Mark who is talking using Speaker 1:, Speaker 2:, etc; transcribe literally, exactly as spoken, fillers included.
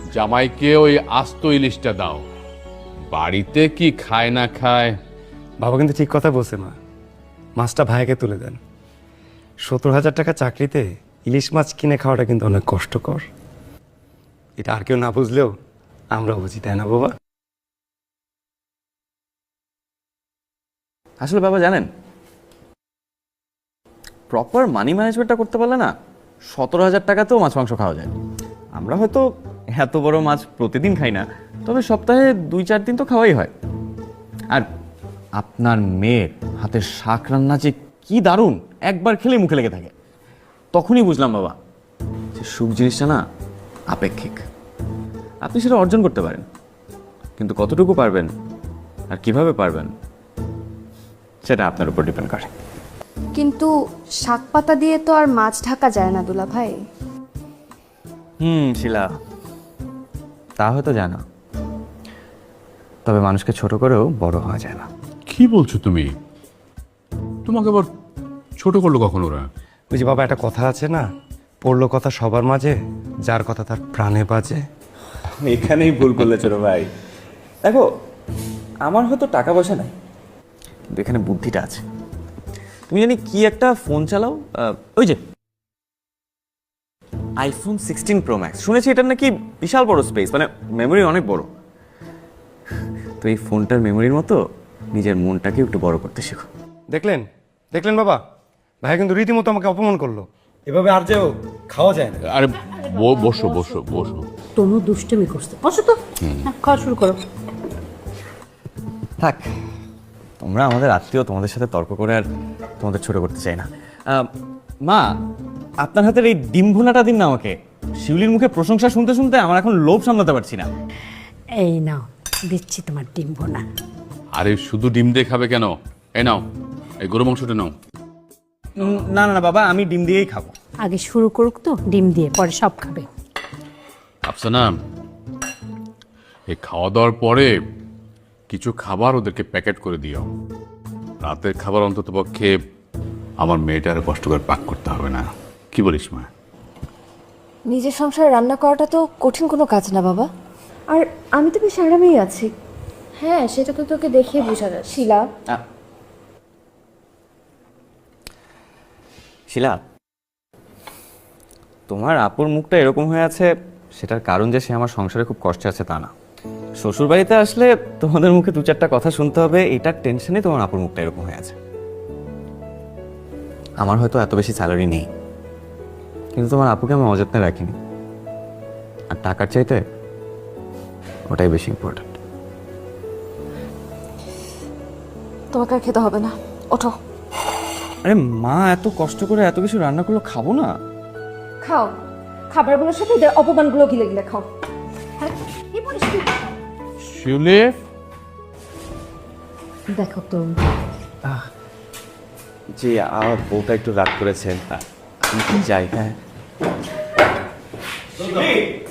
Speaker 1: জামাইকে ওই আস্ত ইলিশটা দাও। বাড়িতে কি খায় না খায়।
Speaker 2: বাবা কিন্তু ঠিক কথা বলছে মা, মাছটা ভাইকে তুলে দেন। সত্তর হাজার টাকা চাকরিতে ইলিশ মাছ কিনে খাওয়াটা কিন্তু অনেক কষ্টকর। এটা আর কেউ না বুঝলেও আমরা বুঝি, তাই না বাবা?
Speaker 3: আসলে বাবা জানেন, প্রপার মানি ম্যানেজমেন্টটা করতে পারলে না সতেরো হাজার টাকাতেও মাছ মাংস খাওয়া যায়। আমরা হয়তো এত বড় মাছ প্রতিদিন খাই না, তবে সপ্তাহে দুই চার দিন তো খাওয়াই হয়। আর আপনার মেয়ের হাতের শাক রান্না যে কি দারুণ, একবার খেলে মুখে লেগে থাকে। তখনই বুঝলাম বাবা যে সুখ জিনিসটা না আপেক্ষিক। আপনি সেটা অর্জন করতে পারেন, কিন্তু কতটুকু পারবেন আর কিভাবে পারবেন সেটা আপনার উপর ডিপেন্ড করে।
Speaker 4: কিন্তু শাক পাতা দিয়ে তো আর মাছ ঢাকা যায় না দুলা ভাই।
Speaker 3: হুম শিলা, তা হয়তো জায় না, তবে মানুষকে ছোট করেও বড় হওয়া যায় না।
Speaker 1: কি বলছো তুমি? তোমাকে আবার ছোট করলো কখন ওরা?
Speaker 2: ওই যে বাবা, একটা কথা আছে না, পড়লো কথা সবার মাঝে, যার কথা তার প্রাণে বাজে।
Speaker 3: এখানেই ভুল করলে ছোট ভাই। দেখো, আমার হয়তো টাকা পয়সা নাই, কিন্তু এখানে বুদ্ধিটা আছে। তুমি জানি কি একটা ফোন চালাও, ওই যে আইফোন সিক্সটিন প্রো ম্যাক্স, শুনেছি এটার নাকি বিশাল বড় স্পেস, মানে মেমোরি অনেক বড়। তো এই ফোনটার মেমোরির মতো নিজের মনটাকে একটু বড় করতে শেখো।
Speaker 2: দেখলেন দেখলেন বাবা, ভাই কিন্তু রীতিমতো আমাকে অপমান করলো। এভাবে আর যেও খাওয়া যায় না।
Speaker 1: আরে ব- বসো বসো বসো।
Speaker 5: তনু দুষ্টুমি করছে, বসো তো, হ্যাঁ, খাওয়া শুরু করো।
Speaker 3: থাক, তোমরা আমাদের আত্মীয়, তোমাদের সাথে তর্ক করে আর তোমাদের ছোট করতে চাই না। আহ, মা, আপনার হাতের এই ডিম ভুনাটা দিন না আমাকে। শিউলির মুখে প্রশংসা শুনতে শুনতে আমার এখন লোভ সামলাতে পারছি না।
Speaker 5: এই নাও, দিচ্ছি তোমার ডিম ভোনা।
Speaker 1: আরে শুধু ডিম দিয়ে খাবে কেন? এই নাও, এই গরু মাংসটা নাও।
Speaker 3: উম, না না না বাবা, আমি ডিম দিয়েই খাবো।
Speaker 5: আগে শুরু করুক তো ডিম দিয়ে, পরে সব খাবে।
Speaker 1: আফসানা, এই খাওয়া দাওয়ার পরে কিছু খাবার ওদেরকে প্যাকেট করে দিও। রাতের খাবার অন্তত পক্ষে আমার মেয়েটার কষ্ট করে পাক করতে হবে না। কি বলিস মা?
Speaker 4: নিজের সংসারে রান্না করাটা তো কঠিন কোনো কাজ না বাবা। আর আমি তো বেশ আরামেই আছি। হ্যাঁ, সেটা তো তোকে দেখিয়ে বোঝা যায়। শিলা,
Speaker 3: আহ, শিলা, তোমার আপুর মুখটা এরকম হয়ে আছে, সেটার কারণ যে সে আমার সংসারে খুব কষ্টে আছে তা না। শ্বশুর বাড়িতে আসলে তোমাদের মুখে দু চারটা কথা শুনতে হবে, এটার টেনশনে তোমার আপুর মুখটা এরকম হয়ে আছে। আমার হয়তো এত বেশি স্যালারি নেই, কিন্তু তোমার আপুকে আমি অযত্নে রাখিনি। আর টাকার চাইতে ওটাই বেশি ইম্পর্টেন্ট।
Speaker 4: তোমাকে আর খেতে হবে না, ওঠো।
Speaker 3: আরে মা এত কষ্ট করে এত কিছু রান্না করলো, খাবো না?
Speaker 4: খাও, খাবারগুলোর সাথে এদের অপমানগুলো গিলে গিলে খাও। হ্যাঁ, কি বলিস তুই?
Speaker 1: শিউলি,
Speaker 5: দেখো তো,
Speaker 3: জি, আমার বউটা একটু রাগ করেছেন, আমি কি যাই? হ্যাঁ